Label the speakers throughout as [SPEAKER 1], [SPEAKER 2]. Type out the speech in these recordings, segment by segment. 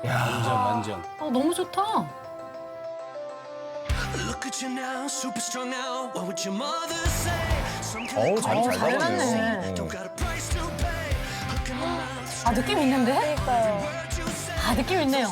[SPEAKER 1] 완전.
[SPEAKER 2] 너무 좋다.
[SPEAKER 3] 어우, 잘
[SPEAKER 2] 해놨네.
[SPEAKER 3] 잡았네요.
[SPEAKER 2] 아, 느낌 있는데?
[SPEAKER 4] 그러니까요.
[SPEAKER 2] 아, 느낌 있네요.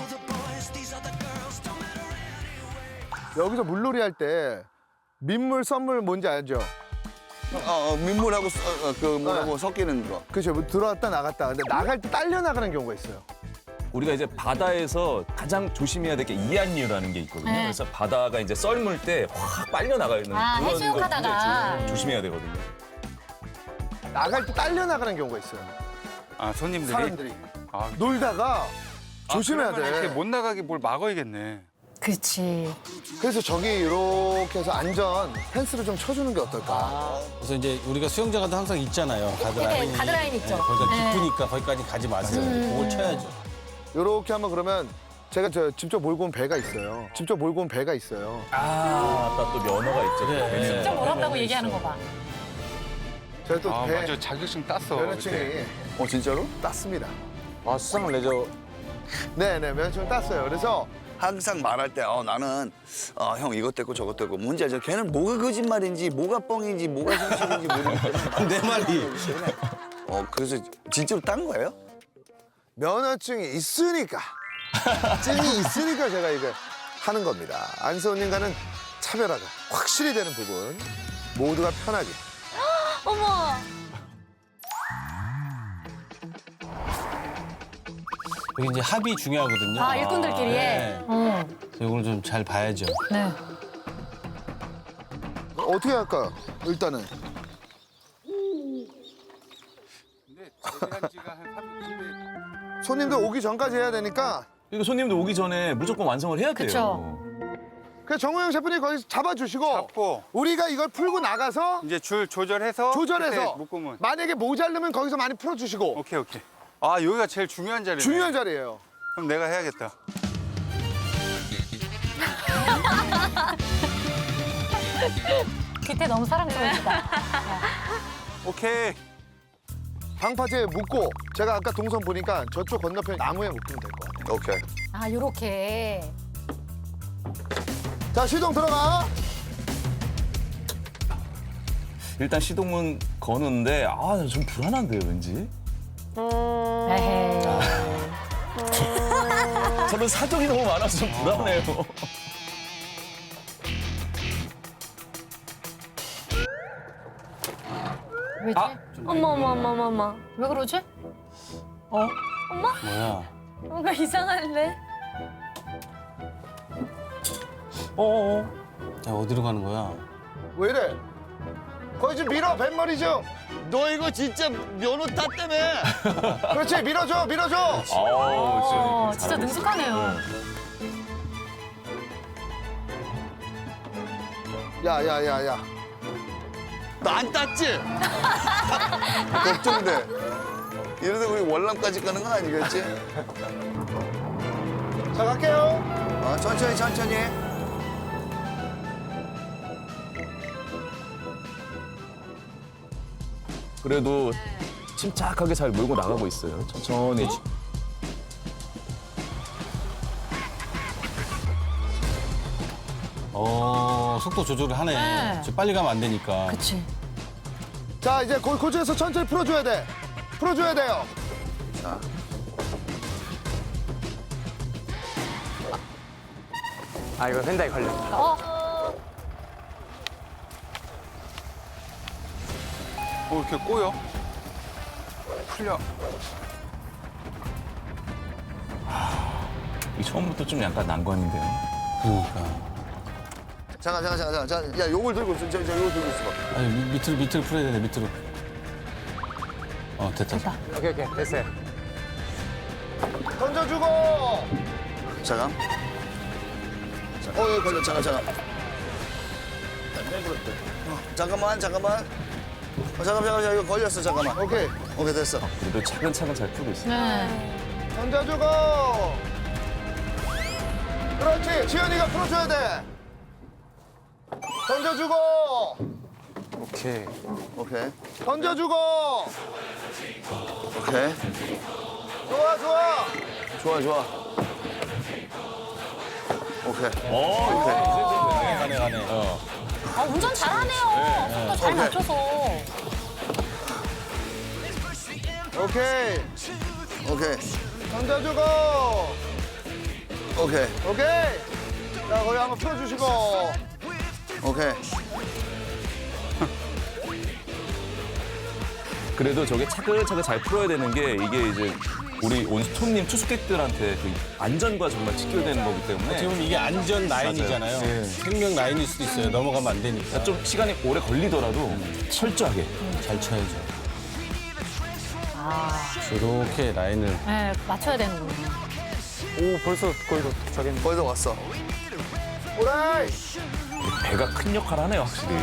[SPEAKER 5] 여기서 물놀이 할 때 민물, 썸물 뭔지 알죠?
[SPEAKER 6] 민물하고 뭐라고 섞이는 거.
[SPEAKER 5] 그죠? 뭐 들어왔다 나갔다. 근데 나갈 때 딸려 나가는 경우가 있어요.
[SPEAKER 3] 우리가 이제 바다에서 가장 조심해야 될 게 이안류라는 게 있거든요.
[SPEAKER 2] 네.
[SPEAKER 3] 그래서 바다가 이제 썰물 때 확 빨려 나가는
[SPEAKER 2] 아,
[SPEAKER 3] 그런
[SPEAKER 2] 해수욕하다가.
[SPEAKER 3] 거 굉장히 조심해야 되거든요.
[SPEAKER 5] 나갈 때 딸려 나가는 경우가 있어요.
[SPEAKER 1] 아, 손님들이?
[SPEAKER 5] 사람들이.
[SPEAKER 1] 아,
[SPEAKER 5] 놀다가 조심해야
[SPEAKER 1] 그러면 이렇게
[SPEAKER 5] 돼.
[SPEAKER 1] 못 나가게 뭘 막아야겠네.
[SPEAKER 2] 그렇지.
[SPEAKER 5] 그래서 저기 이렇게 해서 안전 펜스를 좀 쳐주는 게 어떨까?
[SPEAKER 7] 그래서 이제 우리가 수영장 가도 항상 있잖아요. 가드라인.
[SPEAKER 2] 네, 가드라인 있죠.
[SPEAKER 7] 거기가
[SPEAKER 2] 네.
[SPEAKER 7] 깊으니까 거기까지 가지 마세요. 그걸 쳐야죠.
[SPEAKER 5] 이렇게 하면 그러면 제가 직접 몰고 온 배가 있어요. 직접 몰고 온 배가 있어요.
[SPEAKER 3] 아까 또 면허가 있죠.
[SPEAKER 7] 그래.
[SPEAKER 2] 진짜 몰았다고 얘기하는 거 봐.
[SPEAKER 5] 제가 또
[SPEAKER 1] 아,
[SPEAKER 5] 배
[SPEAKER 1] 맞아. 자격증 땄어.
[SPEAKER 5] 면허증이
[SPEAKER 1] 그때.
[SPEAKER 6] 진짜로?
[SPEAKER 5] 땄습니다.
[SPEAKER 3] 아, 수상을 내죠.
[SPEAKER 5] 네네, 면허증 땄어요. 그래서
[SPEAKER 6] 항상 말할 때 나는 형 이것 됐고 저것 됐고 뭔지 알죠? 걔는 뭐가 거짓말인지 뭐가 뻥인지 뭐가 현실인지 모르니까
[SPEAKER 7] 내 말이.
[SPEAKER 6] 그래서 진짜로 딴 거예요?
[SPEAKER 5] 면허증이 있으니까 증이 있으니까 제가 이거 하는 겁니다. 안세훈님과는 차별화가 확실히 되는 부분 모두가 편하게.
[SPEAKER 4] 어머.
[SPEAKER 7] 여기 이제 합이 중요하거든요.
[SPEAKER 2] 아, 일꾼들끼리의.
[SPEAKER 7] 네. 그래서 이걸 좀 잘 봐야죠.
[SPEAKER 2] 네.
[SPEAKER 5] 어떻게 할까요? 일단은
[SPEAKER 1] 근데 제대한 지가 한 3일
[SPEAKER 5] 손님들 오기 전까지 해야 되니까
[SPEAKER 3] 이거 손님들 오기 전에 무조건 완성을 해야 돼요.
[SPEAKER 2] 그쵸.
[SPEAKER 5] 그냥 정우영 셰프님 거기서 잡아주시고
[SPEAKER 1] 잡고
[SPEAKER 5] 우리가 이걸 풀고 나가서
[SPEAKER 1] 이제 줄 조절해서
[SPEAKER 5] 조절해서
[SPEAKER 1] 그때 묶으면
[SPEAKER 5] 만약에 모자르면 거기서 많이 풀어주시고
[SPEAKER 1] 오케이. 아, 여기가 제일 중요한 자리네.
[SPEAKER 5] 중요한 자리예요.
[SPEAKER 1] 그럼 내가 해야겠다.
[SPEAKER 2] 기태 너무 사랑스러우시다.
[SPEAKER 1] 오케이.
[SPEAKER 5] 방파제에 묶고 제가 아까 동선 보니까 저쪽 건너편 나무에 묶으면 될 것 같아요.
[SPEAKER 6] 오케이.
[SPEAKER 2] 아, 요렇게.
[SPEAKER 5] 자, 시동 들어가.
[SPEAKER 3] 일단 시동은 거는데 좀 불안한데요, 왠지.
[SPEAKER 2] 에헤이.
[SPEAKER 3] 저는 사정이 너무 많아서 좀 불안해요.
[SPEAKER 2] 왜지?
[SPEAKER 4] 어머.
[SPEAKER 2] 왜 그러지?
[SPEAKER 7] 뭐야?
[SPEAKER 4] 뭔가 이상한데?
[SPEAKER 7] 야, 어디로 가는 거야?
[SPEAKER 5] 왜 이래? 거기 좀 밀어, 뱃머리 좀.
[SPEAKER 6] 너 이거 진짜 면허 땄다며?
[SPEAKER 5] 그렇지, 밀어줘.
[SPEAKER 2] 진짜 능숙하네요.
[SPEAKER 5] 야.
[SPEAKER 6] 너 안 땄지? 걱정돼. 이러다 우리 월남까지 가는 건 아니겠지?
[SPEAKER 5] 자, 갈게요.
[SPEAKER 6] 천천히.
[SPEAKER 3] 그래도 침착하게 잘 몰고 나가고 있어요. 천천히.
[SPEAKER 7] 속도 조절을 하네.
[SPEAKER 2] 네.
[SPEAKER 7] 저 빨리 가면 안 되니까.
[SPEAKER 2] 그치.
[SPEAKER 5] 자, 이제 고중에서 천천히 풀어줘야 돼. 풀어줘야 돼요.
[SPEAKER 8] 아, 이거 펜다에 걸렸다.
[SPEAKER 1] 이렇게 꼬여. 풀려.
[SPEAKER 3] 이 처음부터 좀 약간 난관인데요.
[SPEAKER 7] 그러니까.
[SPEAKER 6] 잠깐. 야, 요걸 들고 있어. 요걸 들고 있어.
[SPEAKER 7] 아니, 밑으로 풀어야 되네, 밑으로. 됐다.
[SPEAKER 8] 오케이, 됐어요.
[SPEAKER 5] 던져주고.
[SPEAKER 6] 잠깐. 여기 걸려. 잠깐. 잠깐만. 잠깐만, 이거 걸렸어. 잠깐만.
[SPEAKER 5] 오케이.
[SPEAKER 6] 오케이, 됐어.
[SPEAKER 3] 그래도 차근차근 잘 풀고 있어요.
[SPEAKER 2] 네.
[SPEAKER 5] 던져주고. 그렇지. 지현이가 풀어줘야 돼. 던져주고.
[SPEAKER 1] 오케이.
[SPEAKER 5] 던져주고.
[SPEAKER 6] 오케이.
[SPEAKER 5] 좋아.
[SPEAKER 6] 좋아.
[SPEAKER 5] 오케이.
[SPEAKER 7] 가네.
[SPEAKER 2] 아, 운전 잘하네요. 속도 잘 맞춰서.
[SPEAKER 5] 오케이.
[SPEAKER 6] 오케이.
[SPEAKER 5] 던져주고.
[SPEAKER 6] 오케이.
[SPEAKER 5] 오케이. 자, 거기 한번 풀어주시고.
[SPEAKER 6] 오케이.
[SPEAKER 3] 그래도 저게 차근차근 잘 풀어야 되는 게 이게 이제 우리 온 스톤님 투숙객들한테 그 안전과 정말 직결되는 거기 때문에
[SPEAKER 7] 지금 이게 안전 라인이잖아요.
[SPEAKER 3] 네.
[SPEAKER 7] 생명 라인일 수도 있어요. 넘어가면 안 되니까.
[SPEAKER 3] 좀 시간이 오래 걸리더라도 철저하게
[SPEAKER 7] 잘 쳐야죠. 이렇게 라인을.
[SPEAKER 2] 네, 맞춰야 되는군요.
[SPEAKER 8] 오, 벌써 거의 도착했네.
[SPEAKER 6] 거의 다 왔어.
[SPEAKER 5] 오라이.
[SPEAKER 3] 배가 큰 역할을 하네요, 확실히.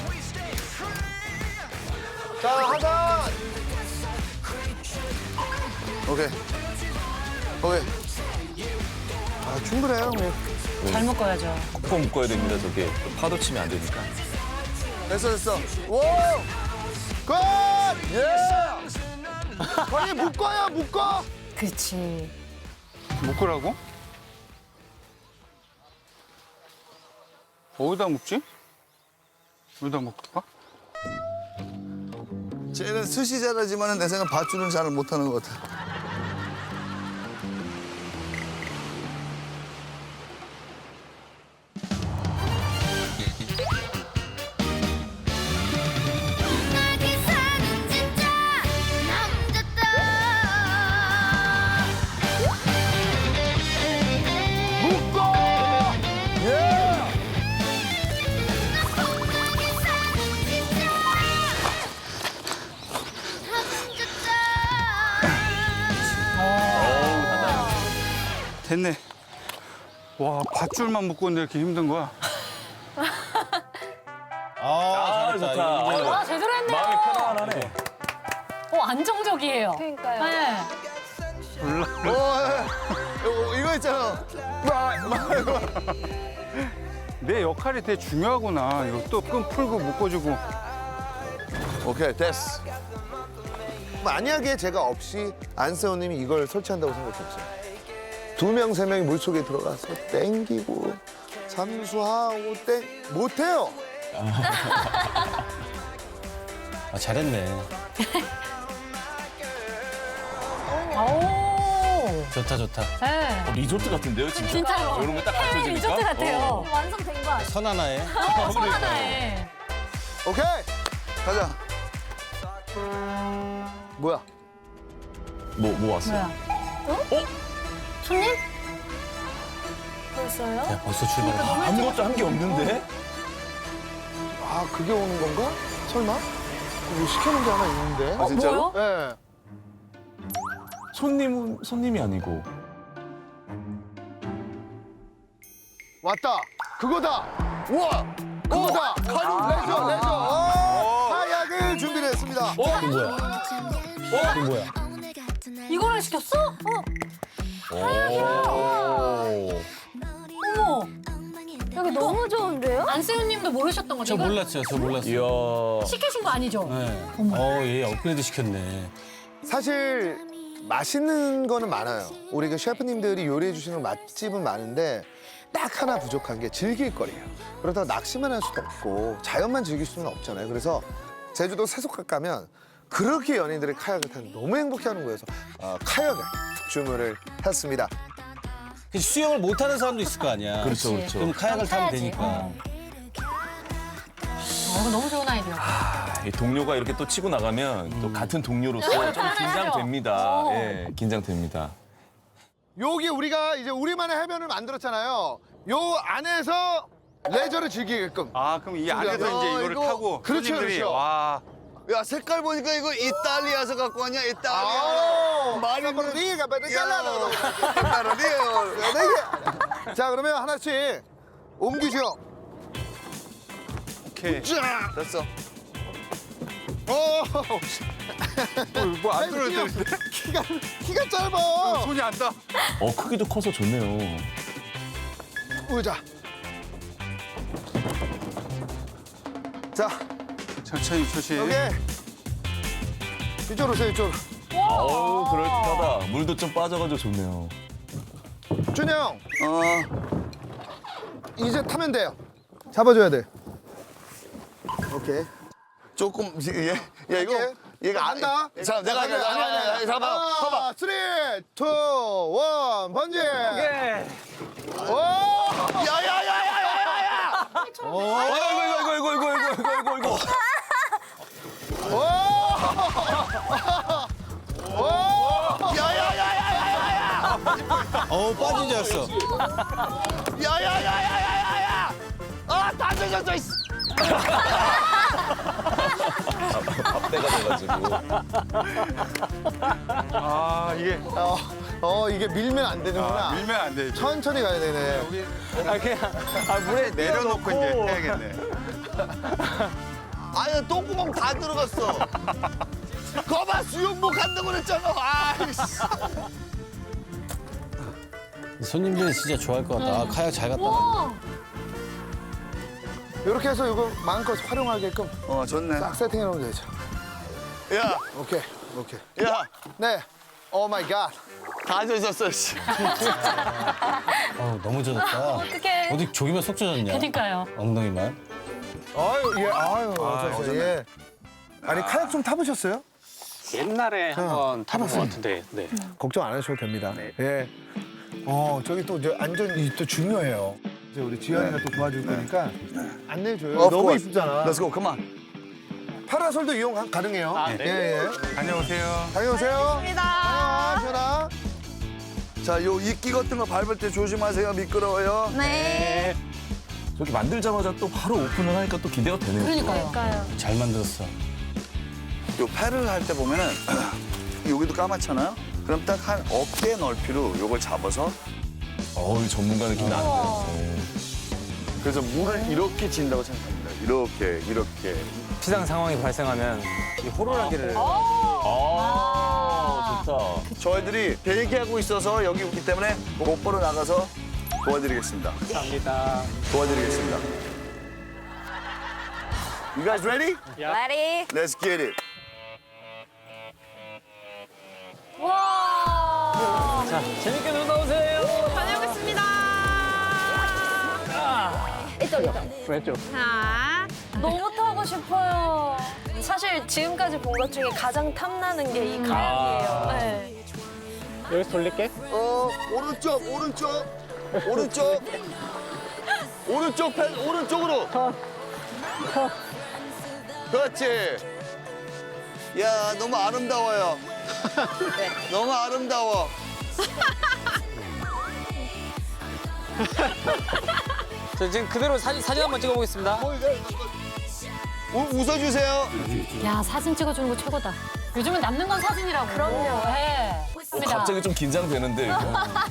[SPEAKER 5] 자, 하단.
[SPEAKER 6] 오케이. 오케이.
[SPEAKER 5] 아, 충분해요, 형님.
[SPEAKER 2] 잘 묶어야죠.
[SPEAKER 3] 꼭 묶어야 됩니다, 저게. 파도 치면 안 되니까.
[SPEAKER 6] 됐어.
[SPEAKER 5] 오! 굿! 예! 거기 묶어요, 묶어!
[SPEAKER 2] 그렇지.
[SPEAKER 1] 묶으라고? 어디다 묶지? 어디다 묶을까?
[SPEAKER 6] 쟤는 스시 잘하지만 내 생각 밧줄은 잘 못하는 것 같아.
[SPEAKER 9] 나게 사는 진짜 남자다.
[SPEAKER 5] 묶어! 예!
[SPEAKER 9] 나게 사는 진짜 남자다.
[SPEAKER 1] 됐네. 와, 밧줄만 묶고 있는데 이렇게 힘든 거야?
[SPEAKER 7] 아, 잘했다.
[SPEAKER 3] 좋다.
[SPEAKER 7] 이거
[SPEAKER 2] 와, 제대로 했네요.
[SPEAKER 3] 마음이 편안하네.
[SPEAKER 2] 안정적이에요.
[SPEAKER 4] 그러니까요.
[SPEAKER 2] 네.
[SPEAKER 6] 오, 이거 있잖아.
[SPEAKER 1] 내 역할이 되게 중요하구나. 이거 또 끈 풀고 묶어주고.
[SPEAKER 6] 오케이, 됐어.
[SPEAKER 5] 만약에 제가 없이 안세호님이 이걸 설치한다고 생각했어요. 2명, 3명이 물속에 들어가서 땡기고 잠수하고 못해요.
[SPEAKER 7] 아, 잘했네.
[SPEAKER 2] 오.
[SPEAKER 7] 좋다.
[SPEAKER 2] 네.
[SPEAKER 3] 리조트 같은데요, 진짜?
[SPEAKER 2] 진짜로.
[SPEAKER 3] 이런 거딱
[SPEAKER 2] 해외
[SPEAKER 3] 갖춰지니까?
[SPEAKER 2] 리조트 같아요.
[SPEAKER 4] 완성된 거 아니야?
[SPEAKER 7] 선 하나에.
[SPEAKER 2] 손 하나에.
[SPEAKER 5] 오케이.
[SPEAKER 6] 가자.
[SPEAKER 5] 뭐야?
[SPEAKER 3] 뭐 왔어요?
[SPEAKER 2] 뭐야? 손님?
[SPEAKER 4] 벌써요?
[SPEAKER 7] 야, 벌써 출발.
[SPEAKER 3] 아무것도 한 게 없는데?
[SPEAKER 5] 아, 그게 오는 건가? 설마? 뭐 시켜놓은 게 하나 있는데?
[SPEAKER 6] 아, 진짜로?
[SPEAKER 2] 뭐요?
[SPEAKER 5] 네.
[SPEAKER 3] 손님이 아니고.
[SPEAKER 5] 왔다. 그거다. 우와. 그거다. 레저. 카약을 준비를 했습니다.
[SPEAKER 7] 이거 뭐야? 이거 뭐야?
[SPEAKER 2] 이거를 시켰어? 어머.
[SPEAKER 4] 여기 너무 좋은데요?
[SPEAKER 2] 안세훈님도 모르셨던 거죠?
[SPEAKER 7] 저
[SPEAKER 2] 이거?
[SPEAKER 7] 몰랐어요.
[SPEAKER 3] 이야.
[SPEAKER 2] 시키신 거 아니죠?
[SPEAKER 7] 네. 얘 업그레이드 시켰네.
[SPEAKER 5] 사실 맛있는 거는 많아요. 우리 그 셰프님들이 요리해 주시는 맛집은 많은데 딱 하나 부족한 게 즐길 거리예요. 그렇다고 낚시만 할 수도 없고 자연만 즐길 수는 없잖아요. 그래서 제주도 세속각 가면 그렇게 연인들이 카약을 타는 너무 행복해하는 거예요. 그래서 카약을 주문을 했습니다.
[SPEAKER 7] 수영을 못하는 사람도 있을 거 아니야.
[SPEAKER 3] 그렇죠.
[SPEAKER 7] 그럼 카약을 타면
[SPEAKER 2] 타야지.
[SPEAKER 7] 되니까.
[SPEAKER 2] 이거 너무 좋은 아이디어.
[SPEAKER 3] 이 동료가 이렇게 또 치고 나가면 또 같은 동료로서 좀 긴장됩니다. 예, 긴장됩니다.
[SPEAKER 5] 여기 우리가 이제 우리만의 해변을 만들었잖아요. 요 안에서 레저를 즐기게끔.
[SPEAKER 1] 아, 그럼 이 안에서 이제 이거를
[SPEAKER 6] 이거-
[SPEAKER 1] 타고
[SPEAKER 5] 그렇죠,
[SPEAKER 1] 손님들이
[SPEAKER 5] 그렇죠.
[SPEAKER 1] 와.
[SPEAKER 6] 야, 색깔 보니까 이거 이탈리아에서 갖고 왔냐? 이탈리아. 말이
[SPEAKER 5] 리가
[SPEAKER 6] 이탈리아.
[SPEAKER 5] 자, 그러면 하나씩 옮기죠.
[SPEAKER 1] 오케이.
[SPEAKER 5] 자,
[SPEAKER 6] 됐어.
[SPEAKER 1] 뭐안 들어야 되는데?
[SPEAKER 5] 키가 짧아.
[SPEAKER 1] 손이 안 닿아.
[SPEAKER 3] 크기도 커서 좋네요.
[SPEAKER 5] 의자. 자,
[SPEAKER 1] 천천히.
[SPEAKER 5] 여기. 이쪽으로 오세요, 이쪽으로.
[SPEAKER 3] 어우, 그럴듯하다. 물도 좀 빠져가지고 좋네요.
[SPEAKER 5] 준영, 이제 타면 돼요. 잡아줘야 돼. 오케이.
[SPEAKER 6] 조금 얘 이거
[SPEAKER 5] 할게.
[SPEAKER 6] 얘가
[SPEAKER 5] 간다.
[SPEAKER 6] 자 내가 할게. 아니 잠깐만. 봐봐.
[SPEAKER 5] 3, 2, 1, 번지. 오!
[SPEAKER 6] 야야야야야야야.
[SPEAKER 3] 이거.
[SPEAKER 6] 야야야야야야야.
[SPEAKER 7] 빠진 줄 알았어.
[SPEAKER 6] 야야야야야야야. 아다 젖었어.
[SPEAKER 3] 밥대가 돼가지고.
[SPEAKER 1] 아, 이게
[SPEAKER 5] 이게 밀면 안 되는구나.
[SPEAKER 1] 밀면 안 돼.
[SPEAKER 5] 천천히 가야 되네.
[SPEAKER 1] 물에 내려놓고 이제 해야겠네.
[SPEAKER 6] 아니 똥구멍 다 들어갔어. 거봐 수영복 한다고 그랬잖아. 아이씨.
[SPEAKER 7] 손님들이 진짜 좋아할 것 같다. 아, 카약 잘 갔다.
[SPEAKER 2] 우와.
[SPEAKER 5] 이렇게 해서 이거 마음껏 활용하게끔
[SPEAKER 6] 좋네.
[SPEAKER 5] 싹 세팅해 놓으면 되죠.
[SPEAKER 6] 야,
[SPEAKER 5] 오케이.
[SPEAKER 6] 야,
[SPEAKER 5] 네. 오 마이 갓.
[SPEAKER 6] 다 젖었어. 씨.
[SPEAKER 7] 너무 젖었다.
[SPEAKER 2] 어떡해.
[SPEAKER 7] 어디 조기만 속 젖었냐?
[SPEAKER 2] 그러니까요.
[SPEAKER 7] 엉덩이만.
[SPEAKER 5] 어쩌세요. 예. 아니 카약 좀 타보셨어요?
[SPEAKER 8] 옛날에 한번 타본 것 같은데. 네.
[SPEAKER 5] 걱정 안 하셔도 됩니다. 예. 저기 또 이제 안전이 또 중요해요. 이제 우리 지현이가 또 도와줄 거니까 안내해줘요.
[SPEAKER 6] Of
[SPEAKER 5] 너무
[SPEAKER 6] course.
[SPEAKER 5] 이쁘잖아.
[SPEAKER 6] Let's go. Come on.
[SPEAKER 5] 파라솔도 이용 가능해요.
[SPEAKER 8] 아, 네.
[SPEAKER 5] 예.
[SPEAKER 1] 다녀오세요.
[SPEAKER 5] 다녀오세요.
[SPEAKER 2] 감사합니다.
[SPEAKER 5] 지현아.
[SPEAKER 6] 자, 요 이끼 같은 거 밟을 때 조심하세요. 미끄러워요.
[SPEAKER 2] 네.
[SPEAKER 3] 저렇게 만들자마자 또 바로 오픈을 하니까 또 기대가 되네요.
[SPEAKER 2] 그러니까요.
[SPEAKER 7] 잘 만들었어.
[SPEAKER 6] 요 패를 할 때 보면은 여기도 까맣잖아요. 그럼 딱 한 어깨 넓이로 요걸 잡아서
[SPEAKER 3] 어우, 전문가 느낌 나는데.
[SPEAKER 6] 그래서 물을 이렇게 진다고 생각합니다. 이렇게.
[SPEAKER 8] 비상 상황이 발생하면 이 호루라기를
[SPEAKER 3] 아, 좋다.
[SPEAKER 6] 저희들이 대기하고 있어서 여기 있기 때문에 곧바로 나가서 도와드리겠습니다.
[SPEAKER 8] 합니다.
[SPEAKER 6] 도와드리겠습니다. You guys ready?
[SPEAKER 2] Ready?
[SPEAKER 6] Let's get it.
[SPEAKER 2] 와.
[SPEAKER 8] 자, 재밌게 놀다 오세요.
[SPEAKER 2] 다녀오겠습니다.
[SPEAKER 8] 왼쪽.
[SPEAKER 2] 자. 너무 타고 싶어요. 사실 지금까지 본 것 중에 가장 탐나는 게 이 카약이에요. 네.
[SPEAKER 8] 여기서 돌릴게.
[SPEAKER 6] 오른쪽 펜 오른쪽으로. 그렇지. 야, 너무 아름다워요. 너무 아름다워.
[SPEAKER 8] 저 지금 그대로 사진 한번 찍어보겠습니다.
[SPEAKER 6] 웃어주세요.
[SPEAKER 2] 야, 사진 찍어주는 거 최고다. 요즘은 남는 건 사진이라고. 그럼요. 네.
[SPEAKER 3] 갑자기 좀 긴장되는데. 이거.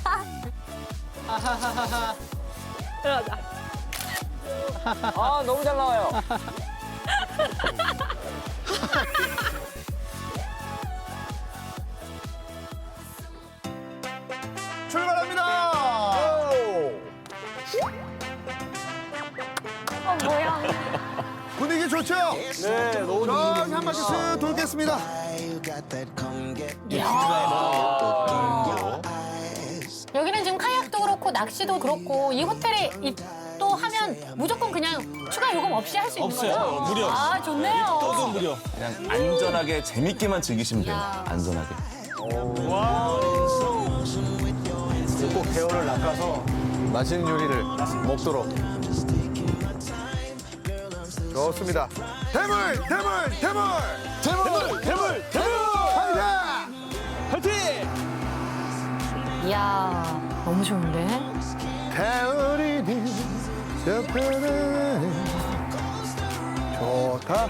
[SPEAKER 8] 아, 너무 잘 나와요.
[SPEAKER 5] 출발합니다.
[SPEAKER 2] 뭐야.
[SPEAKER 5] 분위기 좋죠?
[SPEAKER 8] 네, 너무
[SPEAKER 5] 저기 한 바퀴 쓱 돌겠습니다.
[SPEAKER 2] 여기는 지금 카약도 그렇고 낚시도 그렇고 이 호텔에 또 하면 무조건 그냥 추가 요금 없이 할 수 있는
[SPEAKER 7] 없어요.
[SPEAKER 2] 거죠?
[SPEAKER 7] 무료.
[SPEAKER 2] 아, 좋네요.
[SPEAKER 7] 떠도 무료.
[SPEAKER 3] 그냥 안전하게 재밌게만 즐기시면 돼요.
[SPEAKER 2] 야.
[SPEAKER 3] 안전하게.
[SPEAKER 5] 꼭 대어를 낚아서 맛있는 요리를 먹도록. 좋습니다. 대물!
[SPEAKER 2] 이야, 너무 좋은데?
[SPEAKER 5] 가을이니 저편에 좋다.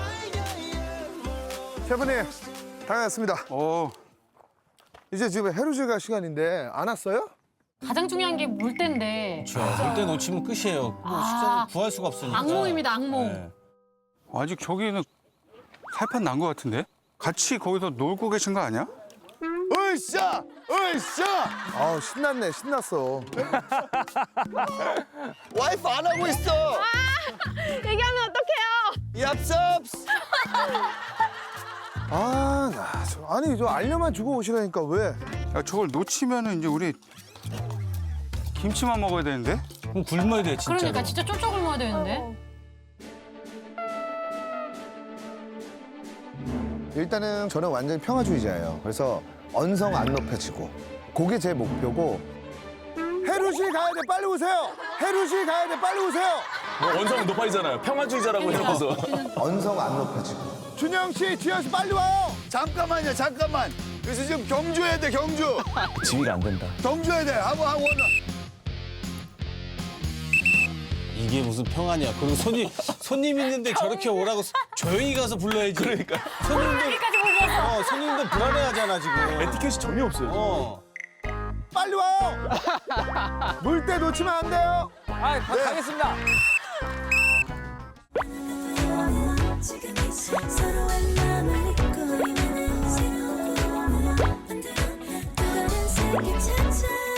[SPEAKER 5] 셰프님, 다녀왔습니다. 이제 지금 해루질가 시간인데 안 왔어요?
[SPEAKER 2] 가장 중요한 게 물때인데.
[SPEAKER 7] 물때 놓치면 끝이에요. 뭐 식사를 구할 수가 없으니까.
[SPEAKER 2] 악몽입니다, 악몽.
[SPEAKER 7] 네.
[SPEAKER 1] 아직 저기는 살판 난 것 같은데? 같이 거기서 놀고 계신 거 아니야?
[SPEAKER 6] 으쌰!
[SPEAKER 5] 아우 신났어.
[SPEAKER 6] 와이프 안 하고 있어.
[SPEAKER 2] 얘기하면 어떡해요?
[SPEAKER 6] 얍삽.
[SPEAKER 5] 아니 저 알려만 주고 오시라니까 왜?
[SPEAKER 1] 야, 저걸 놓치면은 이제 우리 김치만 먹어야 되는데?
[SPEAKER 7] 그럼 굶어야 돼 진짜로.
[SPEAKER 10] 그러니까 진짜 쫄쫄 굶어야 되는데.
[SPEAKER 5] 일단은 저는 완전히 평화주의자예요. 그래서 언성 안 높여지고 그게 제 목표고. 해루 씨 가야 돼, 빨리 오세요. 해루 씨 가야 돼, 빨리 오세요.
[SPEAKER 3] 뭐 원성은 높아지잖아요. 평화주의자라고 해놓고서.
[SPEAKER 5] 언성 안 높여지고. 준영 씨, 지현 씨 빨리 와요.
[SPEAKER 6] 잠깐만요, 잠깐만. 그래서 지금 경주해야 돼, 경주.
[SPEAKER 3] 지위가 안 된다.
[SPEAKER 6] 경주해야 돼. 하고 원.
[SPEAKER 7] 이게 무슨 평화냐. 그리고 손님 있는데 저렇게 오라고 조용히 가서 불러야지.
[SPEAKER 3] 그러니까.
[SPEAKER 7] 손님도 불안해하잖아 지금.
[SPEAKER 3] 에티켓이 전혀 없어요.
[SPEAKER 5] 빨리 와요. 물때 놓치면 안 돼요.
[SPEAKER 8] 아, 가겠습니다.
[SPEAKER 9] 지금 이 서로의 마음을 잊고 있는 새로운 꿈을 만들어 또 다른 세계 찾아